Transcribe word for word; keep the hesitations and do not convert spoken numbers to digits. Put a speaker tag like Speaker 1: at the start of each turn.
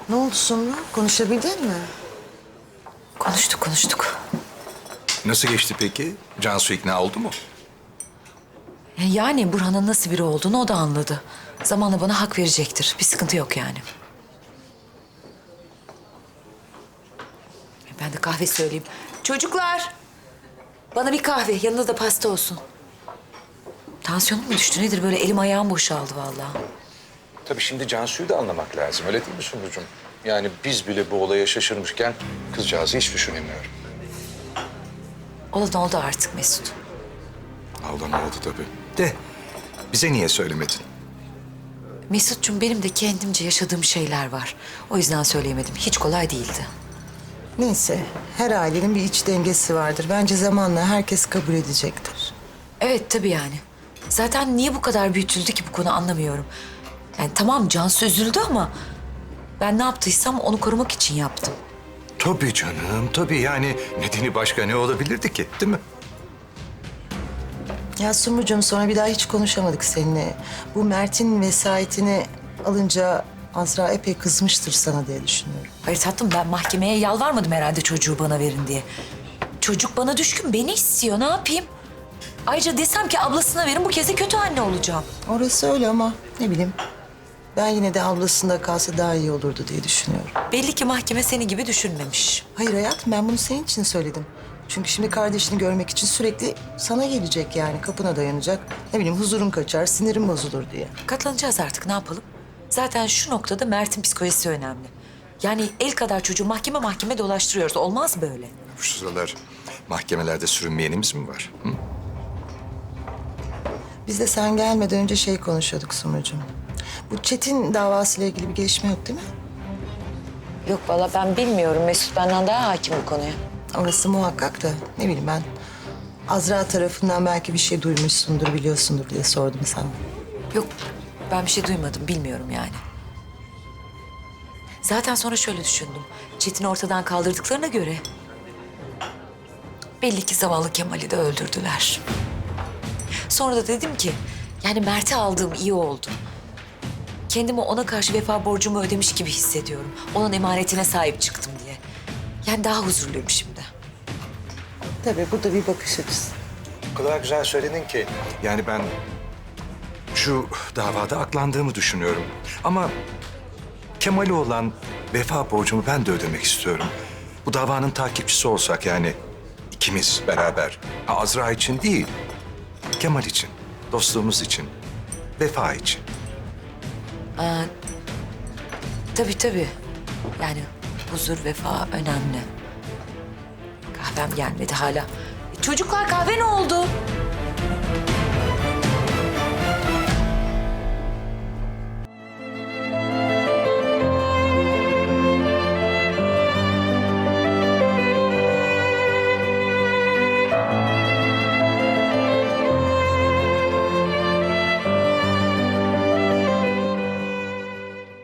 Speaker 1: Ne oldu Sumru? Konuşabildin mi?
Speaker 2: Konuştuk konuştuk.
Speaker 3: Nasıl geçti peki? Cansu ikna oldu mu?
Speaker 2: E, Yani Burhan'ın nasıl biri olduğunu o da anladı. Zamanla bana hak verecektir. Bir sıkıntı yok yani. E, Ben de kahve söyleyeyim. Çocuklar! Bana bir kahve, yanında da pasta olsun. Tansiyonum mu düştü nedir? Böyle elim ayağım boşaldı vallahi.
Speaker 3: Tabii şimdi Cansu'yu da anlamak lazım. Öyle değil mi Sumrucuğum? Yani biz bile bu olaya şaşırmışken kızcağızı hiç düşünemiyorum.
Speaker 2: Olan oldu artık Mesut.
Speaker 3: Allah'ım oldu tabii. De bize niye söylemedin?
Speaker 2: Mesut'cum benim de kendimce yaşadığım şeyler var. O yüzden söyleyemedim. Hiç kolay değildi.
Speaker 1: Neyse, her ailenin bir iç dengesi vardır. Bence zamanla herkes kabul edecektir.
Speaker 2: Evet tabii yani. Zaten niye bu kadar büyütüldü ki bu konu anlamıyorum. Yani tamam Cansu üzüldü ama ben ne yaptıysam onu korumak için yaptım.
Speaker 3: Tabii canım, tabii yani nedeni başka ne olabilirdi ki, değil mi?
Speaker 1: Ya Sumrucuğum, sonra bir daha hiç konuşamadık seninle. Bu Mert'in vesayetini alınca Azra epey kızmıştır sana diye düşünüyorum.
Speaker 2: Hayır tatlım ben mahkemeye yalvarmadım herhalde çocuğu bana verin diye. Çocuk bana düşkün, beni istiyor. Ne yapayım? Ayrıca desem ki ablasına verin bu kez de kötü anne olacağım.
Speaker 1: Orası öyle ama ne bileyim. Ben yine de ablasında kalsa daha iyi olurdu diye düşünüyorum.
Speaker 2: Belli ki mahkeme seni gibi düşünmemiş.
Speaker 1: Hayır hayatım, ben bunu senin için söyledim. Çünkü şimdi kardeşini görmek için sürekli sana gelecek yani. Kapına dayanacak. Ne bileyim huzurun kaçar, sinirin bozulur diye.
Speaker 2: Katlanacağız artık ne yapalım? Zaten şu noktada Mert'in psikolojisi önemli. Yani el kadar çocuğu mahkeme mahkeme dolaştırıyoruz. Olmaz böyle.
Speaker 3: Bu sıralar mahkemelerde sürünmeyenimiz mi var? Hı?
Speaker 1: Biz de sen gelmeden önce şey konuşuyorduk Sumrucuğum. Bu Çetin davasıyla ilgili bir gelişme yok değil mi?
Speaker 2: Yok valla ben bilmiyorum. Mesut benden daha hakim bu konuya.
Speaker 1: Orası muhakkak da ne bileyim ben. Azra tarafından belki bir şey duymuşsundur, biliyorsundur diye sordum sana.
Speaker 2: Yok ben bir şey duymadım. Bilmiyorum yani. Zaten sonra şöyle düşündüm. Çetin'i ortadan kaldırdıklarına göre... belli ki zavallı Kemal'i de öldürdüler. Sonra da dedim ki... yani Mert'i aldığım iyi oldu. Kendimi ona karşı vefa borcumu ödemiş gibi hissediyorum. Onun emanetine sahip çıktım diye. Yani daha huzurluyum şimdi.
Speaker 1: Tabii bu da bir bakış açısı.
Speaker 3: O kadar güzel söyledin ki. Yani ben şu davada aklandığımı düşünüyorum. Ama Kemal'e olan vefa borcumu ben de ödemek istiyorum. Bu davanın takipçisi olsak yani ikimiz beraber. Ha, Azra için değil, Kemal için, dostluğumuz için, vefa için.
Speaker 2: Aa, tabii tabii. Yani huzur, vefa önemli. Kahvem gelmedi hala. E, çocuklar kahve ne oldu?